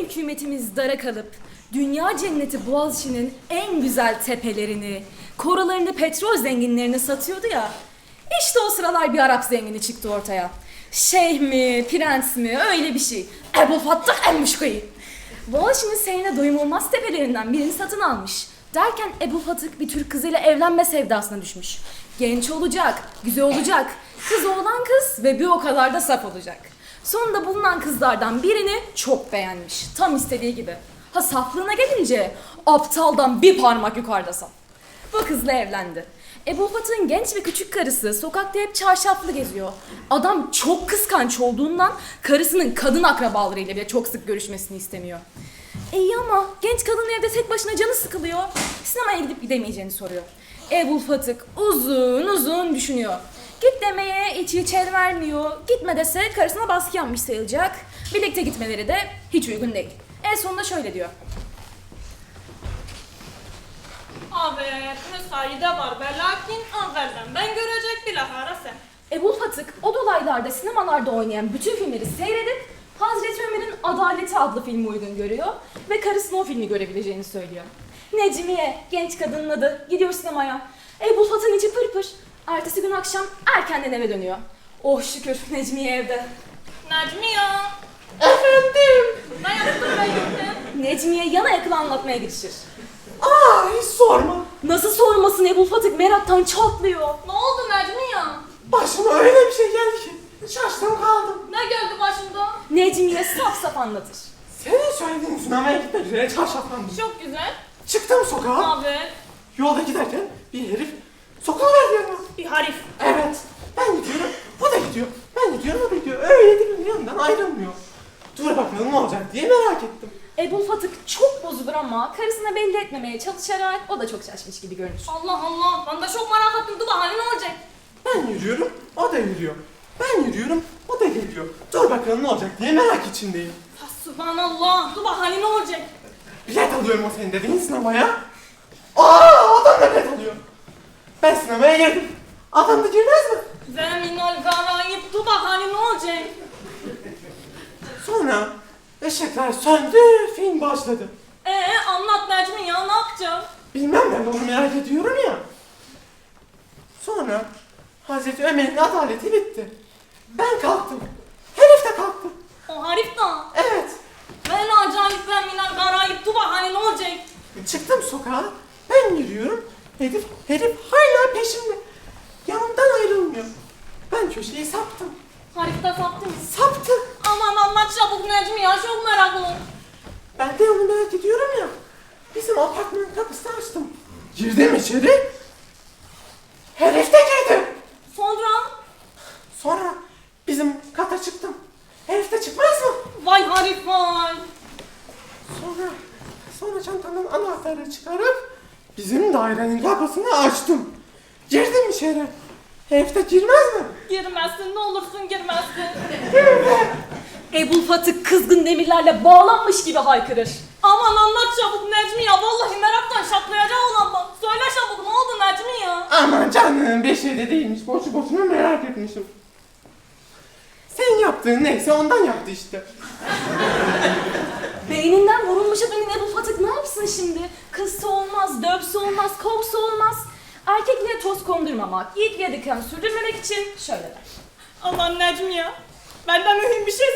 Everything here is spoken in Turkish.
hükümetimiz dara kalıp dünya cenneti Boğaziçi'nin en güzel tepelerini, korularını petrol zenginlerine satıyordu ya. İşte o sıralar bir Arap zengini çıktı ortaya. Şeyh mi, prens mi öyle bir şey. Ebu Fattah el-Muşkî. Boğaziçi'nin seyrine doyum olmaz tepelerinden birini satın almış. Derken Ebu Fatık bir Türk kızıyla evlenme sevdasına düşmüş. Genç olacak, güzel olacak. Kız oğlan kız ve bir o kadar da saf olacak. Sonunda bulunan kızlardan birini çok beğenmiş. Tam istediği gibi. Ha saflığına gelince aptaldan bir parmak yukarıda saf. Bu kızla evlendi. Ebu Fatık'ın genç ve küçük karısı sokakta hep çarşaflı geziyor. Adam çok kıskanç olduğundan karısının kadın akrabalarıyla bile çok sık görüşmesini istemiyor. İyi ama genç kadın evde tek başına canı sıkılıyor. Sinemaya gidip gidemeyeceğini soruyor. Ebu Fatık uzun uzun düşünüyor. Git demeye hiç el vermiyor. Gitme dese karısına baskı yapmış sayılacak. Birlikte gitmeleri de hiç uygun değil. En sonunda şöyle diyor. Evet, müsaade var ve lakin evvelden ben görecek bilahare sen. Ebu Fatık o dolaylarda sinemalarda oynayan bütün filmleri seyredip Hazreti Ömer'in Adaleti adlı filmi uygun görüyor ve karısına o filmi görebileceğini söylüyor. Necmiye, genç kadının adı, gidiyor sinemaya. Ebu Fatık'ın içi pırpır. Ertesi gün akşam erkenden eve dönüyor. Oh şükür Necmiye evde. Necmi ya. Efendim? Ne yaptın ben gittim? Necmiye yana yakıla anlatmaya girişir. Hiç sorma. Nasıl sormasın Ebu Fatık meraktan çatlıyor. Ne oldu Necmi ya? Başıma öyle bir şey geldi ki şaştım kaldım. Ne geldi başımda? Necmiye saf saf anlatır. Senin söylediğin sinemaya gitmek üzere çarşaflandım. Çok güzel. Çıktım sokağa. Evet. Yolda giderken bir herif sokuverdi yanıma. Bir harif. Evet. Ben gidiyorum. O da gidiyor. Ben gidiyorum. O da gidiyor. Öyle birbirinin yanından ayrılmıyor. Dur bakalım ne olacak diye merak ettim. Ebu Fatık çok bozulur ama karısına belli etmemeye çalışarak o da çok şaşmış gibi görünür. Allah Allah. Ben de çok merak ettim. Dur bakalım ne olacak? Ben yürüyorum. O da yürüyor. Ben yürüyorum. O da geliyor. Dur bakalım ne olacak diye merak içindeyim. Subhanallah. Dur bakalım ne olacak? Bilet alıyorum o senin dediğin sinemaya. Adam da bilet alıyor. Ben sinemaya girdim. Adam da girmez mi? Zeminal garayip. Dur bakalım ne olacak? Sonra ışıklar söndü, film başladı. Anlat Necmi ya, ne yapacağım? Bilmem ben de onu merak ediyorum ya. Sonra Hazreti Ömer'in adaleti bitti. Ben kalktım. Herif de kalktı. O harif da. Evet. Ben acayip zeminal garayip. Dur bakalım ne olacak? Çıktım sokağa. Ben yürüyorum. Herif hala peşimde. Yanımdan ayrılmıyor. Ben köşeyi saptım. Harifte saptın mı? Saptı. Aman anlat çabuk Necmi ya, çok meraklı. Ben de onu merak ediyorum ya. Bizim apartmanın kapısını açtım. Girdim içeri. Herif de girdi. Sonra? Sonra bizim kata çıktım. Herif de çıkmaz mı? Vay harif vay. Sonra çantamdan anahtarı çıkarıp bizim dairenin kapısını açtım. Girdim içeri. Herif de girmez mi? Girmezsin, ne olursun girmezsin. Ebu Fatık kızgın demirlerle bağlanmış gibi haykırır. Aman anlat çabuk Necmi ya, vallahi meraktan şatlayacak olan bak. Söyle çabuk, ne oldu Necmi ya? Aman canım bir şey de değilmiş. Boşu boşuna merak etmişim. Sen yaptığın neyse ondan yaptı işte. Beyninden vurulmuşa dönen Ebu Fatık ne yapsın şimdi? Kızsa olmaz, dövse olmaz, kovsa olmaz. Erkekliğe toz kondurmamak, yiğitliğe diken sürdürmemek için şöyle der. Aman Necmi ya, benden mühim bir şey